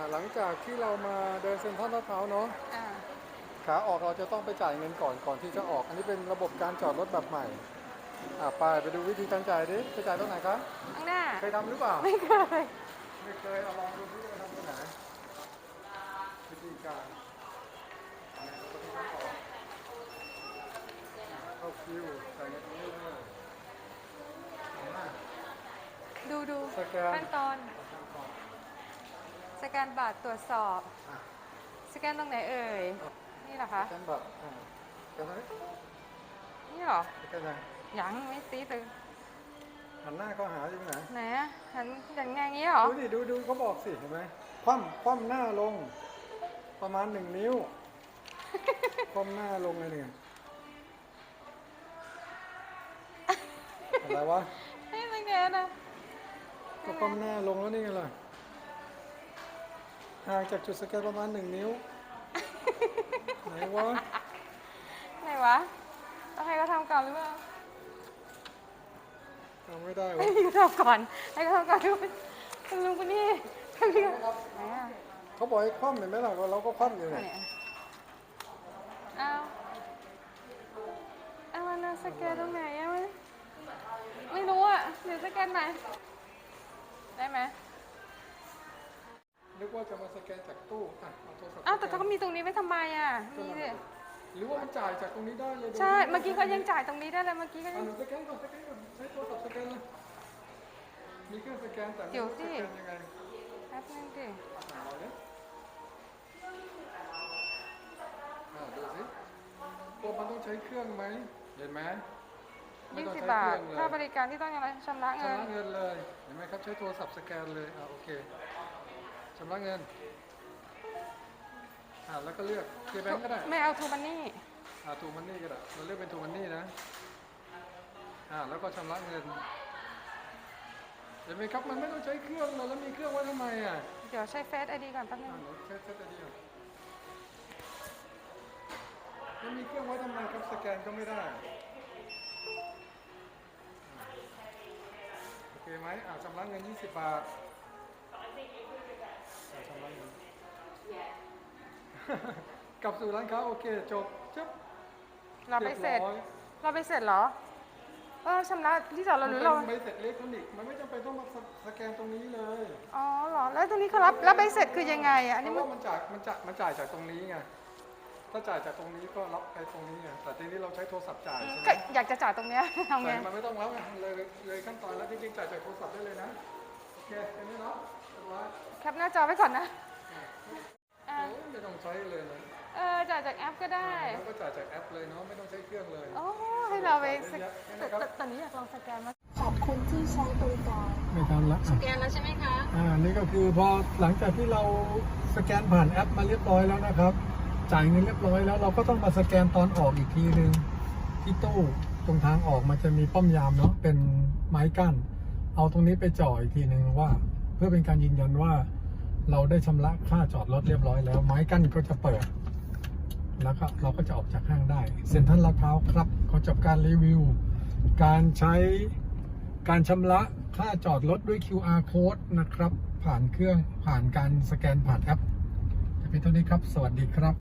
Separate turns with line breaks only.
หลังจากที่เรามาเดินเซ็นทรัลลาดพร้าวเนาะขาออกเราจะต้องไปจ่ายเงินก่อนที่จะออกอันนี้เป็นระบบการจอดรถแบบใหม่ไปดูวิธีการจ่ายดิจะจ่ายตรงไหนครับ
ข้างหน้า
เคยทำหรือเปล่า
ไม่เคย
เอาลองดูที่จะทำตรงไหนวิธีการเข้าคิวจ่ายเงินตรงนี้เลย
ดูขั้นตอนสแกนบัตรตรวจสอบสแกนตรงไหนเอ่ยนี่เหรอคะ
สแกนบัตรสแกนไหน
นี่เหรอ
สแกนยัง
ไม่ตีตึง
หันหน้าเขาหาอยู่ไหน
ไหนหันอย่างงี้เหรอ
ดูเขาบอกสิเห็นไหมคว่ำหน้าลงประมาณ1 นิ้วคว่ำหน้าลงเลยเนี่ยอะไรวะ
ไม่เป็นไงนะ
ก็คว่ำหน้าลงแล้วนี่ไงล่ะห่างจากจุดสแกนประมาณ1 นิ้วไหนวะ
ต้องให้เขาทำก่อนหรือเปล่า
ทำไม่ได้วะ
ให้เขาทำก่อนด้วยคุณลุงคนนี้
เขาบอกให้คว่ำเห็นไหมล่ะเราก็คว่ำอยู่เนี่ย
เอามันสแกนตรงไหนไม่รู้อ่ะเดี๋ยวสแกนไหนได้ไหม
นึกว่าจะมาสแกนจากตู้เอาโทรศัพท์
แต่เขามีตรงนี้ไว้ทำไมนี่สิ
หรือว่ามันจ่ายจากตรงนี้ได้เลย
ใช่เมื่อกี้เขายังจ่ายตรงนี้ได้เลยเมื่อกี้ก็ยัง
สแกนก่อนใช้โทรศัพท์สแกนเลยมีเครื่องสแกนแต่ไม่รู้สแกนยังไง
แป๊บนึงดิ
ดูสิตัวมันต้องใช้เครื่องไหมเห็นไหม
20 บาทค่าบริการที่ต้องอะไรชำระเงิน
เลยเห็นไหมครับใช้โทรศัพท์สแกนเลยโอเคชำระเงินแล้วก็เลือกเคแบงก์ก็ได้
ไม่เอาทูมันนี่
ทูมันนี่ก็ได้เราเลือกเป็นทูมันนี่นะแล้วก็ชำระเงินเห็นไหมครับมันไม่ต้องใช้เครื่องแล้วมีเครื่องไว้ทำไม
เดี๋ยวใช้เฟซไอดีก่อนแป๊บนึง
เฟซไอดีแล้วมีเครื่องไว้ทำไมครับสแกนก็ไม่ได้โอเคไหมชำระเงิน20 บาทชำระเงินกลับสู่ร้านค้าโอเคจบ
เราไปเสร็จเหรอชำระที่จอดรถหรือเรา
ใบเสร็จอิเล็กทรอนิกส์มันไม่จำเป็นต้องมาสแกนตรงนี้เลย
เหรอแล้วตรงนี้เขารับใบเสร็จคือยังไงอันนี้
มันจ่ายจากตรงนี้ไงถ้าจ่ายจากตรงนี้ก็รับไปตรงนี้ไงแต่ทีนี้เราใช้โทรศัพท์จ่ายใช่ไหม
อยากจะจ่ายตรงเนี้ยทำไง
มันไม่ต้องแล้วเลยขั้นตอนแล้วจริงๆจ่ายจากโทรศัพท์ได้เลยนะโอเคอันนี้เนาะ
แคปหน้าจอไว้ก่อนนะ
ไม่ต้องใช้เลยนะ
จ่ายจากแอปก็ได้
แล้วก็จ่ายจากแอปเลยเนาะไม่ต้องใช้เครื่องเลย
ให้เราไปตอนนี้อยากลองสแกนมา
ขอบคุณที่ใช้บริการ
ไม่ทำละ
สแกนแล้วใช่ไหมคะ
นี่ก็คือพอหลังจากที่เราสแกนผ่านแอปมาเรียบร้อยแล้วนะครับจ่ายเงินเรียบร้อยแล้วเราก็ต้องมาสแกนตอนออกอีกทีนึงที่ตู้ตรงทางออกมันจะมีป้อมยามเนาะเป็นไม้กั้นเอาตรงนี้ไปจ่ออีกทีนึงว่าเพื่อเป็นการยืนยันว่าเราได้ชำระค่าจอดรถเรียบร้อยแล้วไม้กั้นก็จะเปิดแล้วก็เราก็จะออกจากห้างได้เซ็นทรัลลาดพร้าวครับขอจบการรีวิวการใช้การชำระค่าจอดรถด้วย QR code นะครับผ่านการสแกนผ่านแอปจะเป็นเท่านี้ครับสวัสดีครับ